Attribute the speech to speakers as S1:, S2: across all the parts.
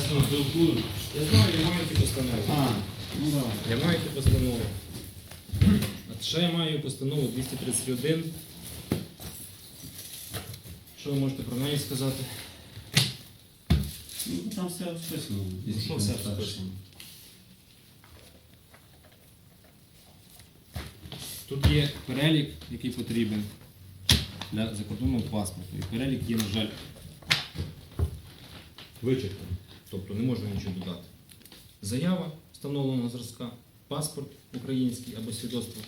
S1: чесно спілкуюсь.
S2: Я знаю, я маю ті постанови.
S1: Ну давай.
S2: Я маю ті постанови. А ще я маю постанову 231. Що ви можете про неї сказати?
S1: Ну там все розписано.
S2: Що все розписано? Тут є перелік, який потрібен для закордонного паспорту. І перелік є, на жаль, вичерпаний. Тобто не можна нічого додати. Заява встановленого зразка, паспорт український або свідоцтво,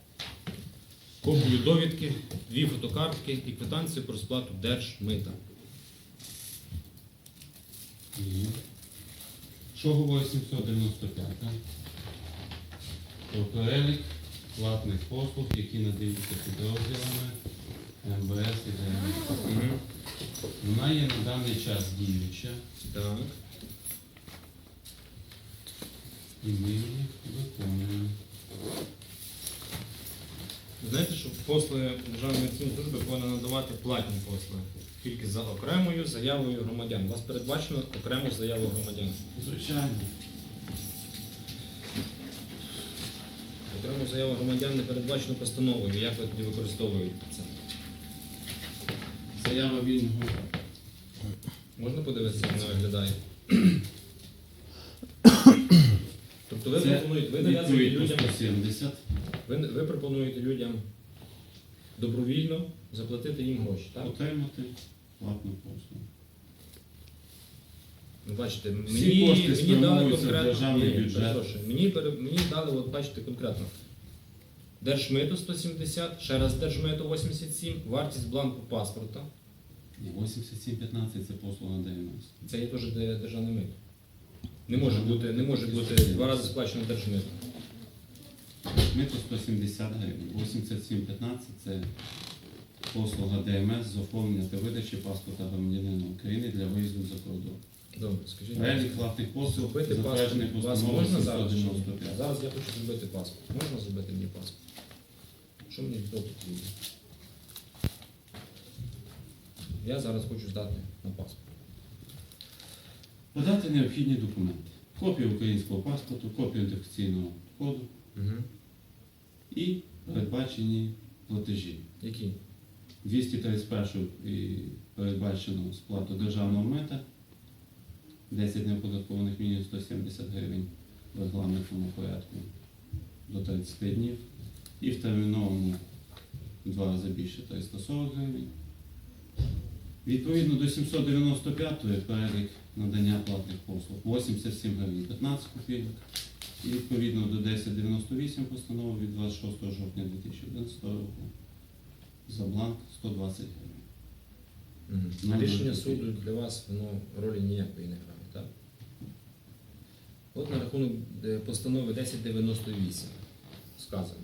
S2: копію довідки, 2 фотокартки і квитанцію про сплату держмита.
S1: Що говорить 795? Про перелік платних послуг, які надаються підрозділами МВС і ДМС. Вона є на даний час діюча.
S2: Так.
S1: І ми її виконуємо.
S2: Знаєте, що послуги Державної міграційної служби повинна надавати платні послуги. Тільки за окремою заявою громадян. У вас передбачено окрему заяву громадян.
S1: Звичайно.
S2: Окрему заяву громадян не передбачено постановою. Як ви тоді використовуєте це?
S1: Заява вільного.
S2: Можна подивитися, як вона виглядає? Тобто ви пропонуєте, ви нав'язуєте людям,
S1: 170.
S2: ви пропонуєте людям добровільно заплатити їм гроші, так?
S1: Отримати платну послугу.
S2: Ну, бачите,
S1: Всі кошти
S2: мені дали
S1: спрямовуються в
S2: конкретно,
S1: державний
S2: ні,
S1: бюджет.
S2: перепрошую, мені дали, от бачите, конкретно. Держмито 170, ще раз держмито 87, вартість бланку паспорта.
S1: Ні, 87,15 це послуга ДМС.
S2: Це є теж державне мито. Не може бути 2 рази сплачено держмито.
S1: Мито 170 гривень. 87,15 це послуга ДМС з оформлення та видачі паспорта громадянина України для виїзду за кордон.
S2: Добре, скажіть,
S1: Перелік платних послуг
S2: зробити
S1: затверджений
S2: паспорт. Вас
S1: постановою
S2: можна зараз?
S1: 795.
S2: Зараз я хочу зробити паспорт. Можна зробити мені паспорт? Що мені від того потрібно? Я зараз хочу здати на паспорт.
S1: Подати необхідні документи. Копію українського паспорту, копію ідентифікаційного коду і передбачені платежі.
S2: Які?
S1: 231 і передбачено сплату державного мита, 10 неоподаткованих мінімум 170 гривень в регламентному порядку до 30 днів. І в терміновому 2 рази більше 340 гривень. Відповідно до 795-ї перелік надання платних послуг 87 гривень 15 копійок. І відповідно до 1098 постанови від 26 жовтня 2011 року за бланк 120 гривень.
S2: А рішення суду для вас воно ролі ніякої не грає, так? От на рахунок постанови 1098 сказано.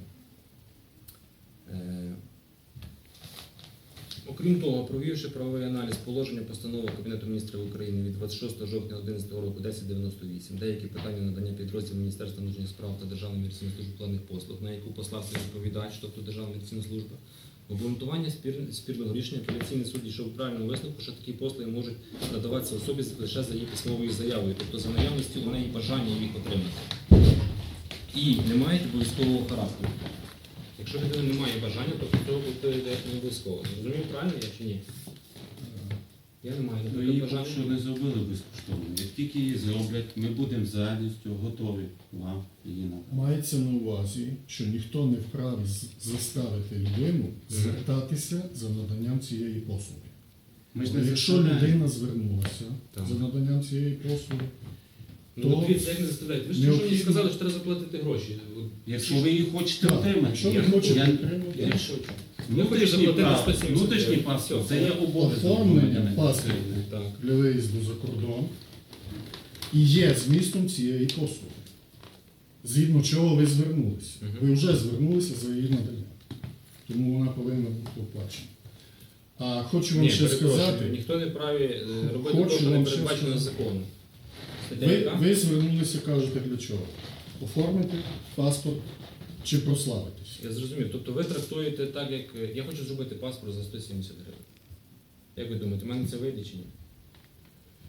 S2: Окрім того, провівши правовий аналіз положення постанови Кабінету міністрів України від 26 жовтня 2011 року 1098, деякі питання надання підрозділів Міністерства внутрішніх справ та Державної міграційної служби платних послуг, на яку послався відповідач, тобто Державна міграційна служба, обґрунтування спірного рішення апеляційний суд дійшов правильного висновку, що такі послуги можуть надаватися особі лише за її письмовою заявою, тобто за наявності у неї бажання їх отримати. І не мають обов'язкового характеру. Якщо людина не має бажання, то цього буде не обов'язково. Розумію, правильно я чи ні? Я не маю
S1: Ну, її
S2: бажання.
S1: поки що не зробили безкоштовно. Як тільки її зроблять, ми будемо з радістю готові вам її надати.
S3: Мається на увазі, що ніхто не вправі заставити людину звертатися за наданням цієї послуги.
S1: Ми ж
S3: Але
S1: не
S3: якщо
S1: заставляємо.
S3: людина звернулася
S2: Так.
S3: за наданням цієї послуги,
S2: Ну, дивіться, як не заставляють. Ви ж
S3: необхідно-
S2: мені сказали, що треба заплатити гроші.
S1: Якщо ви її хочете
S3: Так,
S1: отримати,
S3: якщо ви хочете
S2: Я
S3: отримати,
S2: не хочу. Я хочу
S1: внутрішній
S2: заплатити
S1: паспорт,
S2: 170
S1: внутрішній
S2: гривень.
S1: паспорт,
S2: Все.
S1: це є обов'язок
S3: оформлення
S1: громадянина
S3: паспорту
S1: України.
S2: Так.
S3: для виїзду за кордон і є змістом цієї послуги, згідно чого ви звернулися. Ви вже звернулися за її надання, тому вона повинна бути оплачена. А хочу вам
S2: Ні,
S3: ще
S2: перепрошую,
S3: сказати,
S2: ніхто не праві робити
S3: Хочу
S2: те, що не
S3: вам ще
S2: передбачено
S3: сказати.
S2: законом. Стаття яка?
S3: ви звернулися, кажете, для чого? Оформити паспорт чи прославитись?
S2: Я зрозумів. Тобто ви трактуєте так, як я хочу зробити паспорт за 170 гривень. Як ви думаєте, в мене це вийде чи ні?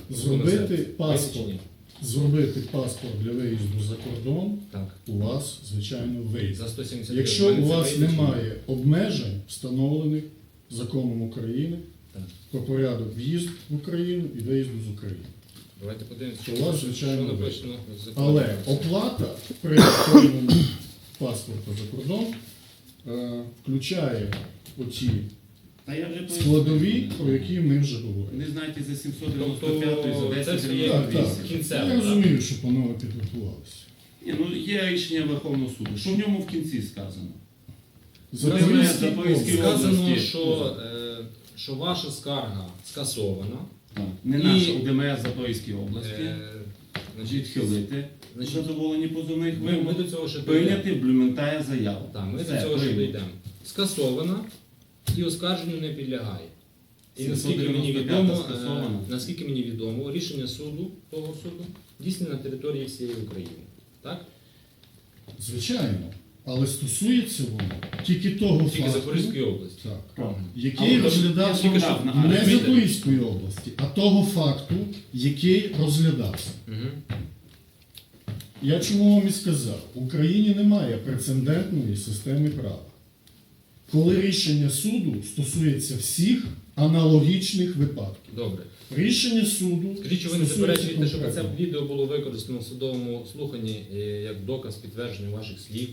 S3: Зробити
S2: Ви
S3: паспорт,
S2: чи ні?
S3: зробити паспорт для виїзду за кордон
S2: Так.
S3: у вас, звичайно, вийде.
S2: За 170
S3: Якщо
S2: гривень.
S3: у
S2: Це
S3: вас
S2: вийде чи ні?
S3: немає обмежень, встановлених законом України
S2: Так.
S3: про порядок в'їзду в Україну і виїзду з України.
S2: Давайте подивимося,
S3: У вас, звичайно,
S2: що написано в законі.
S3: Але оплата при оформленні паспорта за кордон включає оті
S1: Та я вже пояснив.
S3: складові, про які ми вже говорили.
S1: Не знаєте за
S2: Тобто
S1: 795 і за
S2: це
S1: 10
S2: все є
S3: Так, так.
S2: кінцево,
S3: Я
S2: так?
S3: розумію, що панове підготувалися.
S1: Ні, ну є рішення Верховного суду. Що в ньому в кінці сказано?
S3: Запорізький
S1: Запорізький
S3: область.
S2: Сказано,
S1: області.
S2: що ваша скарга скасована.
S1: Так. Не
S2: І-
S1: наша УДМС Запорізькій області.
S2: Значить,
S1: Відхилити
S2: значить,
S1: задоволені позовних
S2: ми
S1: вимог.
S2: до цього ще дійдемо.
S1: Прийняти Блюментая заяву.
S2: Так, ми
S1: Все,
S2: до цього ще
S1: прийняли.
S2: дійдемо. Скасована і оскарженню не підлягає. І
S1: 795 скасована.
S2: наскільки мені відомо, рішення суду, того суду, дійсне на території всієї України. Так?
S3: Звичайно. Але стосується воно тільки того
S2: Тільки
S3: факту,
S2: Запорізької області.
S3: так,
S1: Так.
S3: який
S1: Але
S3: розглядався
S1: тільки що на-
S3: не
S1: розумієте?
S3: Запорізької області, а того факту, який розглядався.
S2: Угу.
S3: Я чому вам і сказав, в Україні немає прецедентної системи права. Коли рішення суду стосується всіх аналогічних випадків.
S2: Добре.
S3: Рішення суду
S2: Скажіть, чи ви не
S3: стосується
S2: заперечуєте, що це
S3: конкретного.
S2: відео було використано в судовому слуханні як доказ підтвердження ваших слів?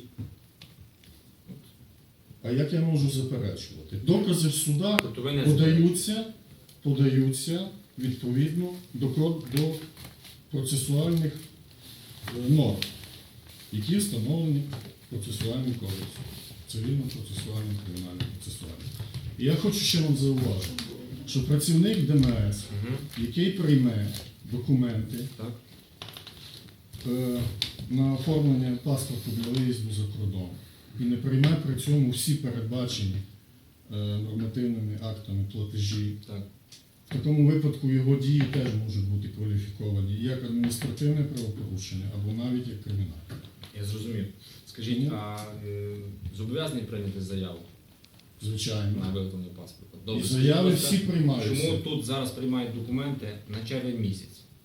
S3: А як я можу заперечувати? Докази в судах
S2: Тобто ви не
S3: подаються відповідно до процесуальних норм, які встановлені процесуальним кодексом, цивільно-процесуальним, кримінальним процесуальним. І я хочу ще вам зауважити, що працівник ДМС,
S2: Угу.
S3: який прийме документи
S2: Так.
S3: на оформлення паспорту для виїзду за кордон і не прийме при цьому всі передбачені нормативними актами платежі,
S2: Так.
S3: в такому випадку його дії теж можуть бути кваліфіковані як адміністративне правопорушення або навіть як кримінальне.
S2: Я зрозумів. Скажіть,
S3: Тому-
S2: а зобов'язаний прийняти заяву на
S3: Звичайно.
S2: виготовлення паспорта?
S3: І
S2: Добре.
S3: заяви
S2: Скажіть,
S3: всі приймаються,
S2: чому тут зараз приймають документи на червень місяць?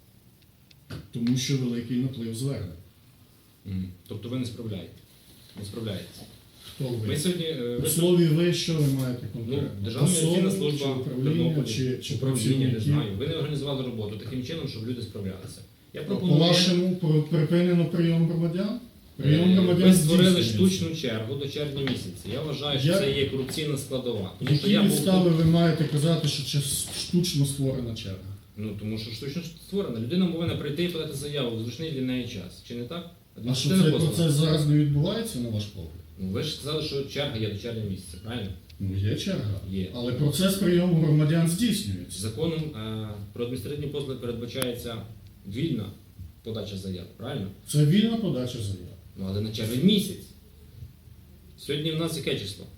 S3: тому що великий наплив звернень.
S2: Мгм. Тобто ви не справляєте? Не справляєтеся?
S3: Хто
S2: Ми
S3: ви?
S2: сьогодні
S3: У слові ви, що ви маєте
S2: ну,
S3: конкретно?
S2: Державна
S3: Особу,
S2: міграційна
S3: чи
S2: служба
S3: управління,
S2: Тернополі,
S3: чи
S2: управління, не
S3: працівників?
S2: знаю. Ви не організували роботу таким чином, щоб люди справлялися. Я
S3: По
S2: пропоную,
S3: вашому припинено прийом громадян? Прийом
S2: ви
S3: громадян
S2: створили
S3: здійснюється.
S2: штучну чергу до червня місяця. Я вважаю, що
S3: Я-
S2: це є корупційна складова. Тому що
S3: Які
S2: я був
S3: підстави
S2: тут,
S3: ви маєте казати, що це штучно створена черга?
S2: ну тому що штучно створена. Людина повинна прийти і подати заяву в зручний для неї час. Чи не так?
S3: А що
S2: Адміністративна
S3: цей
S2: послуга.
S3: процес зараз не відбувається, на ваш погляд?
S2: Ну ви ж сказали, що черга є до червня місяця, правильно?
S3: Ну, є черга.
S2: Є.
S3: Але процес прийому громадян здійснюється.
S2: Законом про адміністративні послуги передбачається вільна подача заяв, правильно?
S3: Це вільна подача заяв.
S2: Ну але на червень місяць. Сьогодні в нас яке число?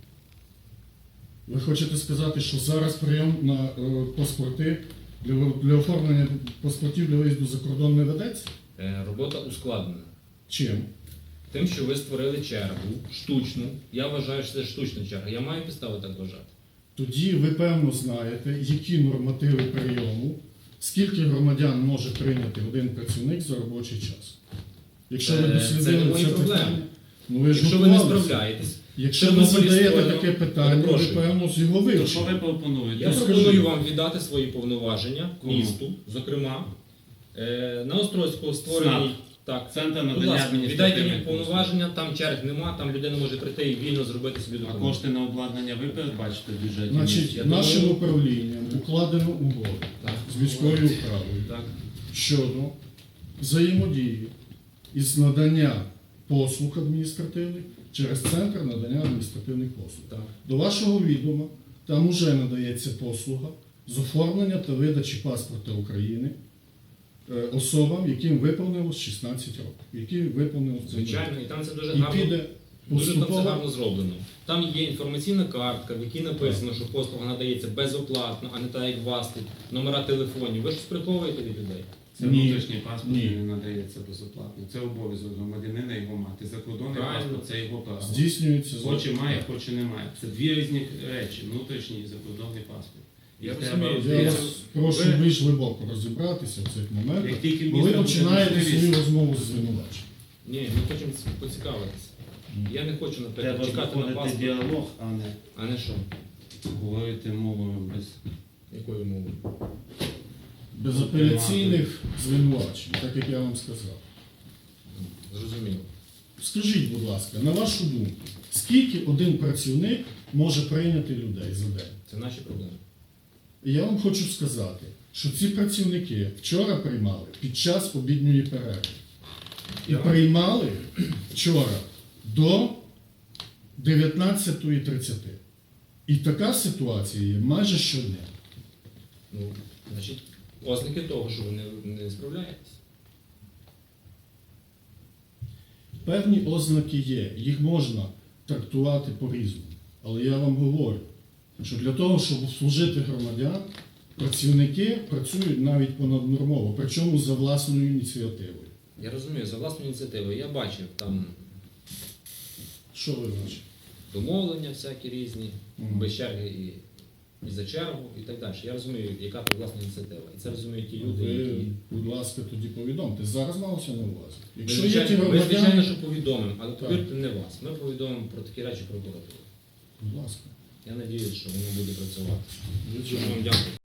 S3: Ви хочете сказати, що зараз прийом на паспорти для оформлення паспортів для виїзду за кордон не ведеться?
S2: Робота ускладнена.
S3: Чим?
S2: Тим, що ви створили чергу штучну. Я вважаю, що це штучна черга. Я маю підстави так вважати.
S3: Тоді ви певно знаєте, які нормативи прийому, скільки громадян може прийняти один працівник за робочий час. Якщо ви
S2: Це не
S3: дослідили
S2: мої
S3: це
S2: проблеми.
S3: питання, ну ви ж
S2: Якщо ви не
S3: готувалися.
S2: справляєтесь,
S3: Якщо ви
S2: Тернополі
S3: задаєте
S2: створено-
S3: таке питання, ви
S2: Перепрошую.
S3: певно з його
S1: То що
S3: вивчили.
S1: ви пропонуєте?
S2: я
S3: Скажи.
S2: пропоную вам віддати свої повноваження
S1: Кому?
S2: місту, зокрема, на Острозького створеній.
S1: СНАП.
S2: Так.
S1: Центр
S2: Будь
S1: надання
S2: ласка, віддайте мені
S1: адміністративних послуг.
S2: повноваження, там черг нема, там людина може прийти і вільно зробити собі
S1: А
S2: документ.
S1: кошти на обладнання ви передбачите в бюджеті?
S3: Значить,
S2: Я
S3: нашим
S2: думаю-
S3: управлінням укладено угоду
S2: Так.
S3: з міською управою
S2: Так.
S3: щодо взаємодії із надання послуг адміністративних через центр надання адміністративних послуг.
S2: Так.
S3: До вашого відома, там уже надається послуга з оформлення та видачі паспорта України особам, яким виповнилось 16 років, які виповнилось цей
S2: Звичайно, і там це дуже
S3: рік. І
S2: гарно.
S3: піде
S2: Дуже там це
S3: поступово.
S2: гарно зроблено. Там є інформаційна картка, в якій написано, що послуга надається безоплатно, а не так, як у вас тут, номера телефонів. Ви ж приховуєте від людей.
S1: Це
S3: Ні.
S1: внутрішній паспорт
S3: Ні.
S1: не надається безоплатно. Це обов'язок громадянина його мати. Закордонний
S2: Правильно.
S1: паспорт це його право.
S3: Здійснюється
S1: Хоче має, хоче не має. Це дві різні речі, внутрішній і закордонний паспорт.
S2: Я
S1: Треба
S2: розумію.
S3: Я
S2: Це-
S3: вас прошу
S2: ви-
S3: більш глибоко розібратися в цих моментах,
S1: Як тільки
S3: бо ви
S1: місто
S3: починаєте
S1: буде
S3: свою
S1: можливість,
S3: розмову з звинувачень.
S2: Ні, ми хочемо поцікавитися. Я не хочу, наприклад,
S1: треба
S2: чекати на
S1: знаходити
S2: паспорт.
S1: діалог, а не
S2: А не що?
S1: говорити мовою без
S2: Якою мовою?
S3: Безапеляційних звинувачень, так як я вам сказав.
S2: Зрозуміло.
S3: Скажіть, будь ласка, на вашу думку, скільки один працівник може прийняти людей за день?
S2: Це наші проблеми.
S3: І я вам хочу сказати, що ці працівники вчора приймали під час обідньої перерви. І приймали вчора до 19:30. І така ситуація є майже щодня.
S2: Ну, значить, ознаки того, що ви не справляєтесь.
S3: Певні ознаки є, їх можна трактувати по-різному. Але я вам говорю, що для того, щоб служити громадян, працівники працюють навіть понаднормово, причому за власною ініціативою.
S2: Я розумію, за власну ініціативу. Я бачив там
S3: Що ви бачите?
S2: домовлення всякі різні,
S3: Мгм.
S2: без черги і за чергу, і так далі. Я розумію, яка то власна ініціатива. І це розуміють ті люди,
S3: Ви,
S2: які...
S3: будь ласка, тоді повідомте. Зараз малося на увазі.
S2: Ми,
S3: Якщо є ті
S2: звичайно,
S3: громадяни,
S2: що повідомимо, але повірте, не вас. Ми повідомимо про такі речі прокуратуру.
S3: будь ласка.
S2: Я сподіваюся, що воно буде працювати. Дуже
S3: Звичайно.
S2: вам дякую.